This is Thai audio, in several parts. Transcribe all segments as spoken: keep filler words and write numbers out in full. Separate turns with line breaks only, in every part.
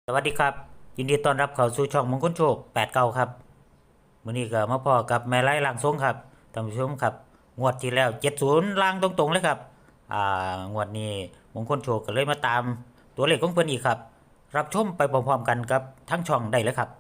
สวัสดีครับยินดีต้อนรับเข้าสู่ช่องมงคลโชคแปดเก้าครับมื้อนี้ก็มาพอกับแม่ไร่ล่างทรงครับท่านผู้ชมครับงวดที่แล้วเจ็ดสิบล่างตรงๆเลยครับอ่างวดนี้มงคลโชคก็เลยมาตามตัวเลขของเพิ่นอีกครับรับชมไปพร้อมๆกันกับทั้งช่องได้เลยครับ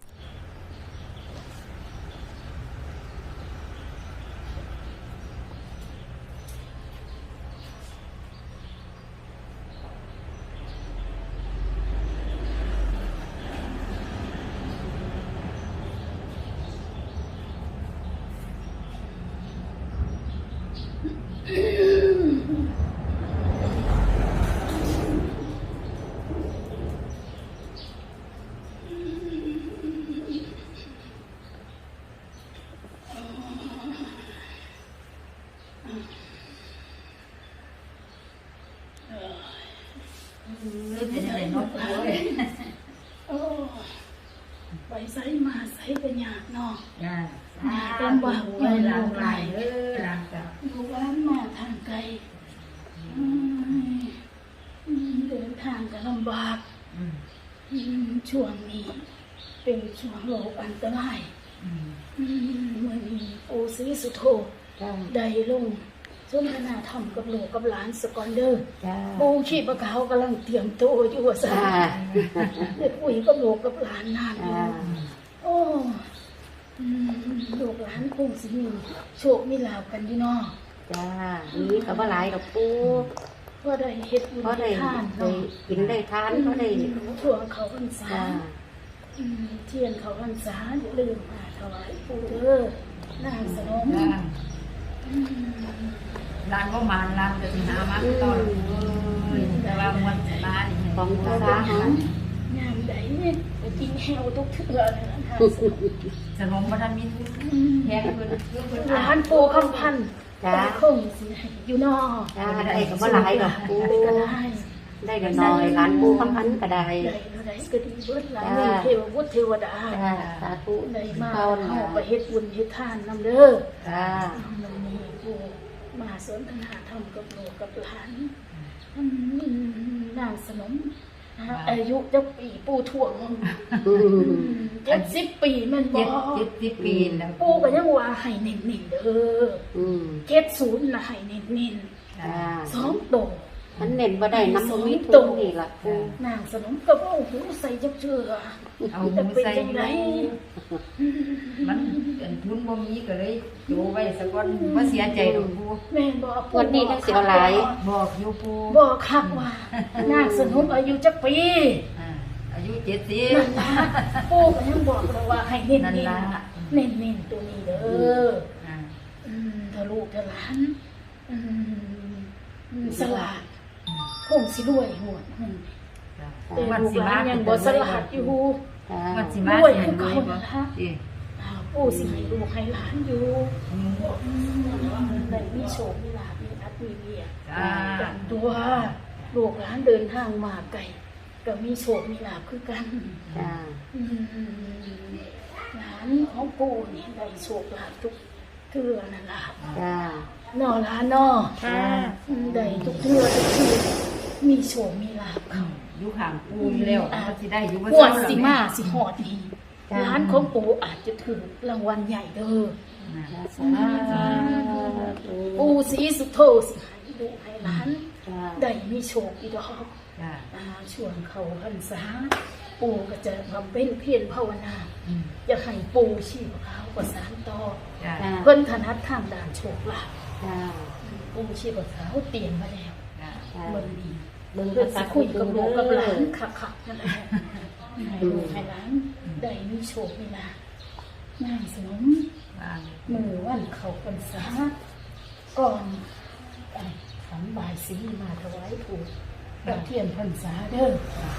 เป็นอะไรเนาะปูเอ้ย
โอ้ไปใส่มาใส่กันยากเนาะ
จ้า
เป็นบ่าว
ปูเอ้ยหลังไหลเอ้ยหลังจ้ะ
ลูกหลานมาทางไกลอืมอืมเดินทางก็ลำบาก
อืม
อืมช่วงนี้ เป็นช่วงโรคอันตราย
อืม
อืมเมื่อนี้ปูศรีสุโธ
จ้า
ได้ลงสนทนาธรรมกับลูกกับหลานสกอนเดอร์
จ้า
ปูชีพเขากำลังเตรียมตัวอยู่ว่าซะได้คุยกับลูกกับหลานนานอยู่ โอ้อืมลูกหลานคงสิมีโชคมีลาภกันอยู่เนาะ
จ้านี่ก็บ่หลายดอกปู
เพราะได้เฮ็ดบุญ
เพราะได้
ทาน
ได้
เนาะ
กินได้ทานเพราะได้
ช่วงเขาพรรษา
จ้า
อืมเทียนเขาพรรษาอย่าลืมมาถวายปู่เด้อนางสนม
จ้า
อืม
ร้านก็มาร้านจะสิหามาตอนเอ้ยแต่ว่ามันมาดิ
ของ
เรา
ภา
ไป
ษา
หางามใดเนี่ยไปกินแฮวทุกเทื่อเลยนะนางสนม
สนมบ่ทันมีทุน
อืม
แพงเพิ่นเพิ่น
หลานปู่คำพันธ์
จ้า
คงสิให้อยู่เนาะ
จ้าได้ก็บ่หลายดอกปู
ได้ก็ได้
ได้ก็น้อยหลานปูคำพันก็ได้
ได้เท่าใดก็ดีเบิดหลายเงินเทวบุตรเทวดา
จ้าสาธุ
ได้มา
เข้า
เฮา
นะ
ไปเฮ็ดบุญเฮ็ดทานนำเด้อ
จ้า
มันมีผู้มาสนทนาธรรมกับลูกกับหลานอืมนางสนมอายุจักปีปู่ถ่วงเจ็ดสิบปีแม่นบ่
เจ็ดเจ็ดสิบปีแล้ว
ปู่ก็ยังว่าให้เน้นๆเด้อ
อืม
เจ็ดศูนย์น่ะให้เน้น
จ้า
ๆสองโต
มันเน้นบ่ได้น้ำบ่มีทุนนี่ล่ะปู
นางสนมก็บ่หูใส่จักเชื่อ
เอาห
จะ
มู
เป็น
ใส่
จังได
มันเป็นทุนบ่มีก็เลยโจไว้สักวันบ่เสียใจดอกปู
แม่นบ่ปู่
วันนี้จังสิเอาหลาย
บอกอยู่ปู
บอกคักว่านางสนมอายุจักปี
อ่าอายุเจ็ดสิบ
นั่นล่ะปู่ก็ยังบอกเลยว่าให้เน้น
นั่น
ๆ
ล่ะ
เน้นๆตัวนี้เด้อ
อ่า
อืมถ้าลูกถ้าหลานอืมอืมสลาดคงสิรวยหมดอืม
จ้า
แต่ลูกหลานยังบ่สลาดอยู่
จ้า
มันสิ
ร
มา
วย
สิ
คือ
ให้ร
เขา
วยบ่
นั่นล่ะ
เอ้
อ่าปู่สิให้ลูกให้หลานอยู่
อืม
อืมได้มีโชคมีลาภมีอัตมีเวีย
จ้า
กันตัวลูกหลานเดินทางมาไกลก็มีโชคมีลาภคือกัน
จ้า
อืมหลานของปู่นี่ได้โชคลาภทุกเทื่อนั่นล่ะ
จ้า
นอหลานนอ
ค่ะ
อืมได้ทุกเทื่อทุกทีมีโชคมีลาภเขา
อยู่ห่างปูอยู่แล้วมันสิได้อยู่บ่
ปวด
เศร้า
สิมาสิหอดนี่
จ้า
ร้านของปู่อาจจะถือรางวัลใหญ่เด้อ
นะ
สาธุ
ปู่ศรีสุโธสิให้ลูกให้หลาน
จ้า
ได้มีโชคอีดอก
จ้า
อ่าช่วงเขาพรรษาปู่ก็จะบำเพ็ญเพียรภาวนา
อืม
จะให้ปู่ชีพเขาประสานต่อ
จ้า
จ้า
เพิ่นถนัดทางด้านโชคลาภ
จ้า
ปู่ชีพเขาเตรียมมาแล้ว
จ้า
จ้า
เมื่อนี้
เบิ่ง
เพื่อ
ภา
สิ
ษา
คุยกับลูกกับหลาน
เด้อ
ขักๆนั่นแหละให้ลูกให้หลานได้มีโชคมีลาภนางสนม
บ้าง
มือวันเขาพรรษาก่อนไอ้ขันบายสีมาถวายปู่กับเทียนพรรษาเด้อ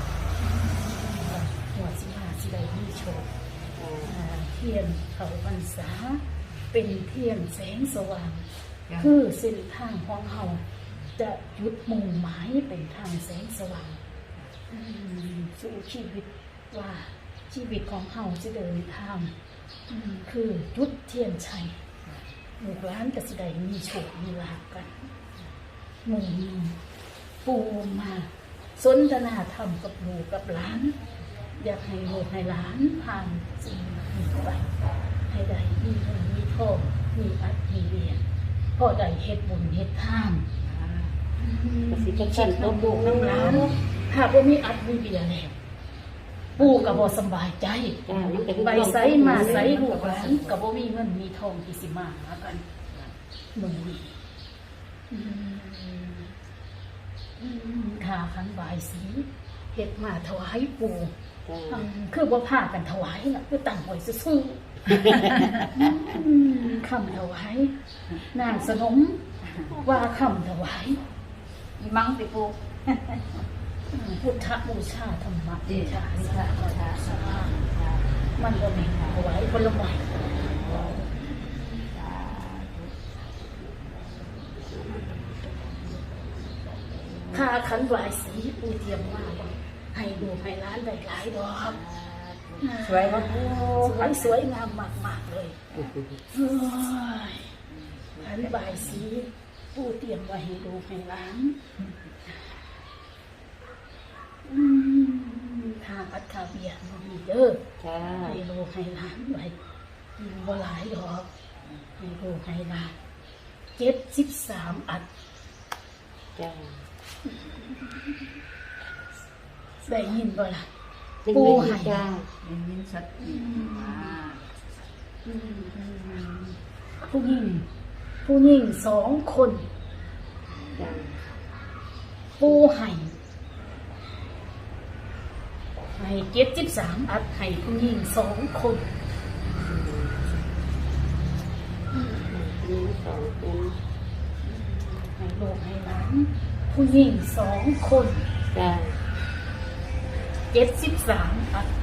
หัวสิมาสิได้มีโชค อ่าเทียนเขาพรรษาเป็นเทียนแสงสว่าง
จ้า
คือเส้นทางของเราจะยุดมุ่งหมายเป็นทางแสงสว่างอืมสู่ชีวิตว่าชีวิตของเราจะเดินทางอืมคือจุดเทียนชัยลูกหลานกสิได้มีโชคมีลาภกันหมุ่งปูมาสนทนาธรรมกับลูกกับหลาน อยากให้ลูกให้หลานผ่านสิ่งนี้ไปให้ได้มีเงินมีทองมีอัดมีเรียนพอได้เฮ็ดบุญเฮ็ดทาน
ก็สิจัง
คิ
ซั่
ด
นตัว
น้ำ
ปู
ลูกน้ำหลานหากว่ามีอัดมีเบียร์แล้วปู่ก็บ่สำบายใจ
จ้ามันก็
ไปไสมาไสลูกหลานก็บ่มีเงินมีทองที่สิมาหากันมื้อนี้อืมอืมค่าขันบายสีเฮ็ดมาถวายปู่
จ้า
อืมคือบ่พากันถวายน่ะคือตั้งไว้ซื่อๆอืมคำถวายนางสนมว่าคำถวาย
อีมังติปู
พุทธบูชาธรรมบูชา
พุทธบูชา
สามันก็มีถวายผลไม้ค่าขันบายสีปูเตรียมมาบ่ให้ดูให้ร้านได้หลายดอก
สวยบ่ปู
สวยสวยงามมากๆเลยเฮ้ยขันบายสีปูเตรียมไว้ให้ดูให้ร้านอืมทางอัดคาเบียร์มันมีเด้อ
จ้า
ให้ลูกให้หลานไว้กินบ่หลายดอกให้ลูกให้หลานเจ็ดสิบสามอัด
จ้า
ได้ยินบ่ล่ะ
ปู
ปู
ให้
ให้
จ้า
ได้ยินชัดอีกอ่า
ผู้หญิงผู้หญิงสองคน
จ้า
ปูให้ให้เจ็ดสิบสามอัดให้ผู้หญิงสองคน
มีสองคน
ให้ลูกให้หลานผู้หญิงสองคน
จ้า
เจ็ดสิบสามอัด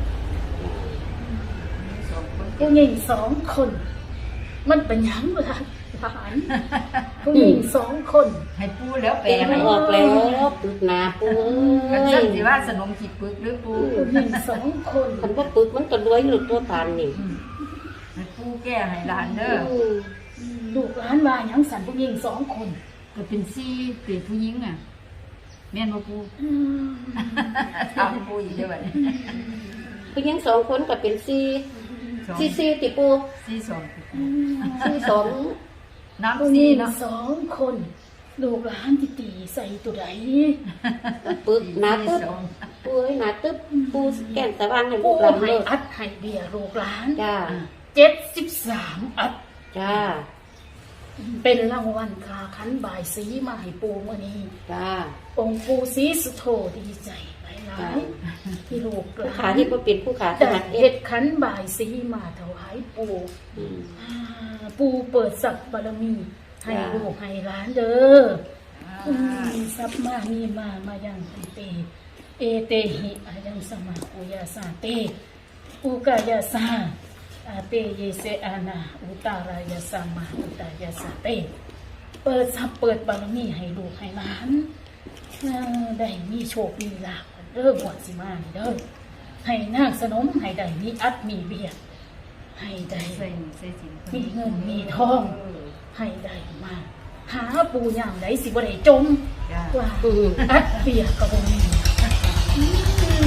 สองคน
ผู้หญิงสองคน มันเป็นหยังล่ะหลานผู้หญิงสองคน
ให้ปูแล้วแปล
ให้
ให้
ออกแล้วปึกหนาปู
กั
เอ้
นซั่
ย
นสิว่าสนมขีดปึกหรือปู
ผู้หญิงสองคน
คันบ่ปึกมันก็รวยหลุดตัวปานนี่
ให้ปูแก้ให้หลานเด้อ
อืม
ลูกหลานว่าหยังสันผู้หญิงสองคน
ก็เป็นซี่เป็นผู้หญิงอ่ะแม่นบ่ปู
อืม
ถามปูอีกเด้อบัดนี้
ผู้หญิงสองคนก็เป็นสี่
สอง
สี่สี่ติปู
ซี่สอง
สี่สอง
ผู้
น้ำ
ห
ซี่
ญิง
เนาะ
สองคน ลูกหลานที่ตีใส่ตัวใด
ปึกหนาตึ๊บ
สอง
ปูเอ้ยหนาตึ๊บปูแก้มตะวางให้ลู
ผู้
กหลาน
ให้
เลิก
อัดให้เบียร์ลูกหลาน
จ้า
เจ็ดสิบสามอัด
จ้า
เป็นรางวัลคาขันบายสีมาให้ปูมื่อนี้
จ้า
องค์ปูศรีสุโธดีใจหลายๆที่ลูกห
ผู้
ลา
ขาน ที่บ่เป็นผู้ขาถ
ได้
นัดเอ็
เฮ็
ด
ดขันบายสีมาถวายปู
อืม
อ่าปูเปิดสับบารมี ให้
จ้า
ลูกให้หลานเด้ออืมสับมามีมามายังติเต เอเตหิอายังสมาอุยาสาเตอุกายาสาอาเตเยเสอานาอุตารายาสามาอุตายาสาเตเปิดสับเปิดบารมีให้ลูกให้หลานเอ่อได้มีโชคมีลาภเด้อหวดสิมานี่เด้อให้นางสนมให้ได้มีอัดมีเบียร์ให้ได้
ใส่ใส่สิน
มีเงินมีทอง ให้ได้มาหาปูย่างไหนสิบ่ได้จม
จ้า
ว่า
อืม
อัดเบียร์ก็บ่มีอืม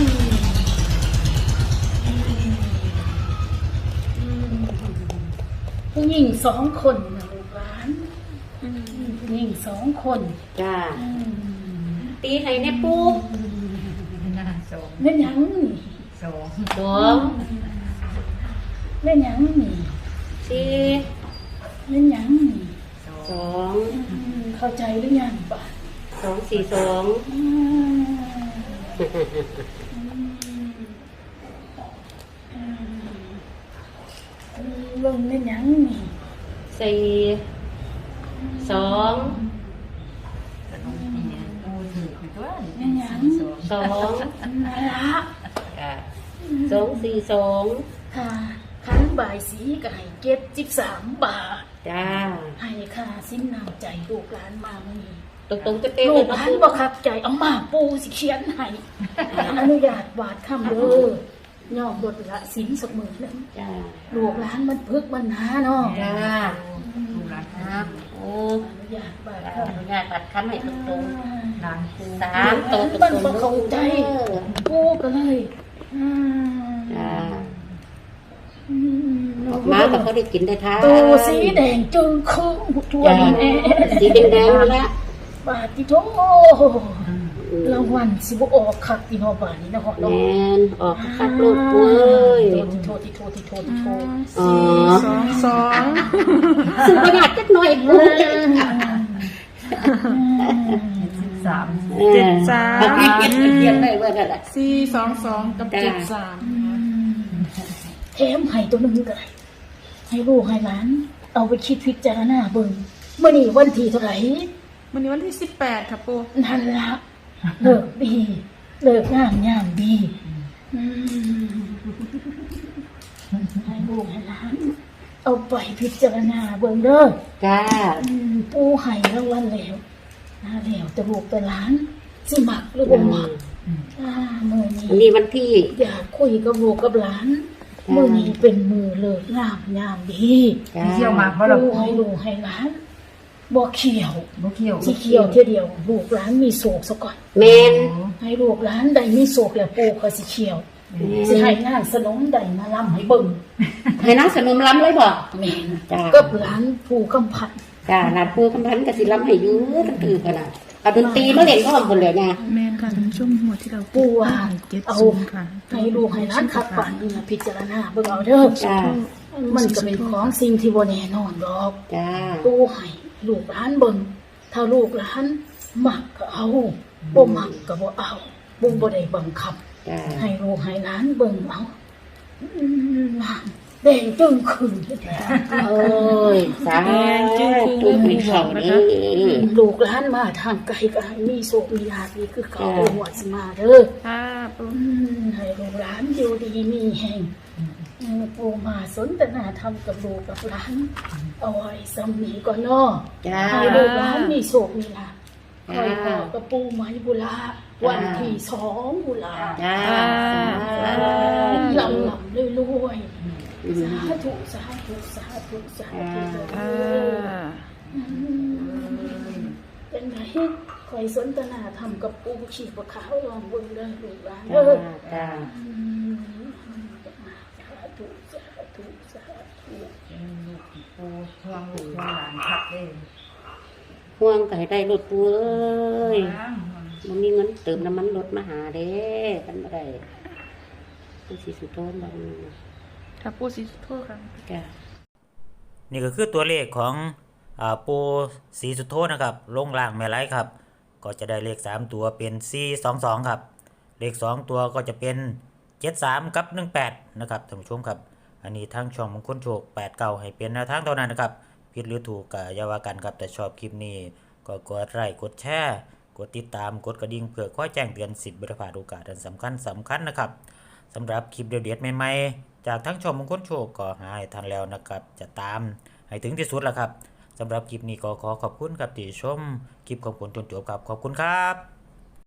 อืมผู้หญิงสองคนนะลูกหลานอืมผู้หญิงสองคน
จ้า
อืม
ตีให้แน่ปู
หน้าสอง
แม่นหยังนี่
สอง
สอง
แม่นหยังนี่
สี่
แม่นหยังนี่
สอง
สอง
อืมเข้าใจหรือยังป่ะ
สองสี่สอง
อืมอืมเบิ่งแม่นหยังนี่
สี่สอง
สนมนี่เนี่ยปูถือคือตัวนี่
แม่นหยัง
สอง
สอง
นั่นละ
จ้าสองสี่สอง
ค่ะขันบ่ายสีก็ให้เก็บสิบสามบาท
จ้า
ให้ค่าสิ้นน้ำใจลูกหลานมามื้อนี้
ตรงตรงๆเป๊ะๆ
ลู
เลย
กห
นะ
ลาน
ปู
บ่ครับใจเอามาปูสิเขียนให้อนุญาตวาดคำเด้อย่อมบทละสินสักมือหนึง
จ้า
ลูกหลานมันพึกมันหาเนาะ
จ้า
ลูกหลาน
ครับโอ้
อนุญาตบาด
ขออนุญาตบัดคำให้ตรงตรง
หลานครู
ๆสามตัวตรง
มัน
ตร
บ่
ง
เข้าใจกูก็เลยอืม
จ้า
อืม
ออกมาก็เขาได้กินได้ทาน
ตัวสีแดงจึงครึ่งทั่ว
จ้า
นี่แน่
สีแดงๆแล้ว
บาดที่โตรางวัลสิบ่ออกคักที่เนาะบาดนี้เนาะ
แม
เนาะ
นออกคักลูกปุ้ย
โทษที่โทษที่โทษที่โทษ
อ๋อ
สองสอง
ซึ่งประหยัดจักหน่อยปุ้ย
สิบสาม
เจ็ดสาม
บางทีเขียนเขียนได้ว่านั่นแหละ
สี่สองสองกับ
จ้า
เจ็ดสาม
แถมให้ตัวหนึงก็ได้ให้ลูกให้หลาน เอาไปคิดพิจารณาเบิ่งมื้อนี้วันที่เท่าไหร่
วันนี้วันที่สิบแปดค่ะปู
นั่นละเลิกดี เลิกงามยามดีอืมให้ลูกให้หลาน เอาไปพิจารณาเบิ่งเด้อ
จ้า
อืมปู่ให้รางวัลแล้วนะแล้วแต่ลูกแต่หลาน สิมักหรือบ่มักอ่ามื้อนี้
อันนี้วันที่
อยากคุยกับลูกกับหลาน
จ้า
มื้อนี้เป็นมือเลิกงามยามดี
จ้า
เที่ยวมาเพราะเรา
ปู่ให้ลูกให้หลานบ่เขียว
บ่เที่ยว
สิเขียวเที่ยเดียวลูกหลานมีโศกซะก่อน
แมน
ให้ลูกหลานได้มีโศกแล้วปู่ก็สิเขียว สิให้งานสนมได้มาลำให้เบิ่ง
ให้น้องสนมล้ำเลยบ่
แม่น
จ้า
กับหลานปู่กำพัน
จ้าหลานปูกำพันกับสิล้ำให้อยื้อตั้งคือกันนะเอาดนตรีมาเล่นพร้อมกันเลยไง
แมนค่ะท่านผู้ชมหัวที่เรา
ปู่ว่า
เจ็ด
เอา
ศูนย์ค่ะ
ให้ลูกให้หลานขับปั่นนี่นะพิจารณาเบิ่งเอาเด้อ
จ้า
มันก็เป็นของสิ่งที่บ่แน่นอนดอก
จ้า
ปู่ให้ลูกหลานเบิ่งถ้าลูกหลานมักก็เอาบ่มักก็บ่เอาปู่บ่ได้บังคับ
จ้า
ให้ลูกให้หลานเบิ่งเอาอืมแดงจึงขึ้นแท้
โอ้ยสาธุมีเขาเด้อ
ลูกหลานมาทางไกลก็ให้มีโชคมีลาภนี่คือเขาเอาหัวสิมาเด้อ
ค่ะปู
อืมให้ลูกหลานอยู่ดีมีแห่งอืมปู่มาสนทนาธรรมกับลูกกับหลานเอาไว้สำนีก่อนเนาะ
จ้า
ให้ลูกหลานมีโชคมีลาภคอยพ่อกับปู่ไม้บุลาวันที่สองบุลา
จ้า
ลำลำรวยๆสาธุสาธุสาธุสาธุ
ค่ะ
อืมเป็นไงคอยสนทนาธรรมกับปู่ขีปะขาวลองเบิ่งเด้อลูกหลาน
จ้า
เด้อ
จ้า
อืมสาธุสาธุสาธุ
ครูทวงลูกทวงหลานพักเลย
ห่วงก็ให้ได้รถปูเอ้ยมันมีเงินเติมน้ำมันรถมาหาเด้กันบ่ได้ปูสิสุโธนบ่
ค่ะปูสีสุโธค่ะ
จ้า
นี่ก็คือตัวเลขของอ่าปูสีสุโธนะครับลงล่างแม่ไร้ครับ ก็จะได้เลขสามตัวเป็นสี่สองสองครับ เลขสองตัวก็จะเป็นเจ็ดสามกับหนึ่งแปดนะครับท่านผู้ชมครับ อันนี้ทางช่องมงคลโชคแปดเก้าให้เป็นแนวทางเท่านั้นนะครับผิดหรือถูกก็อย่าว่ากันครับแต่ชอบคลิปนี้ก็กดไลค์กดแชร์กดติดตามกดกระดิ่งเพื่อคอยแจ้งเตือนสิทธิ์บริพลาดโอกาสอันสำคัญสำคัญนะครับสำหรับคลิปเด็ดๆใหม่ๆจากทั้งช่องมงคลโชคก็หาให้ทันแล้วนะครับจะตามให้ถึงที่สุดแล้วครับสำหรับคลิปนี้ก็ขอขอบคุณครับที่ชมคลิปของผมจนจบครับขอบคุณครับ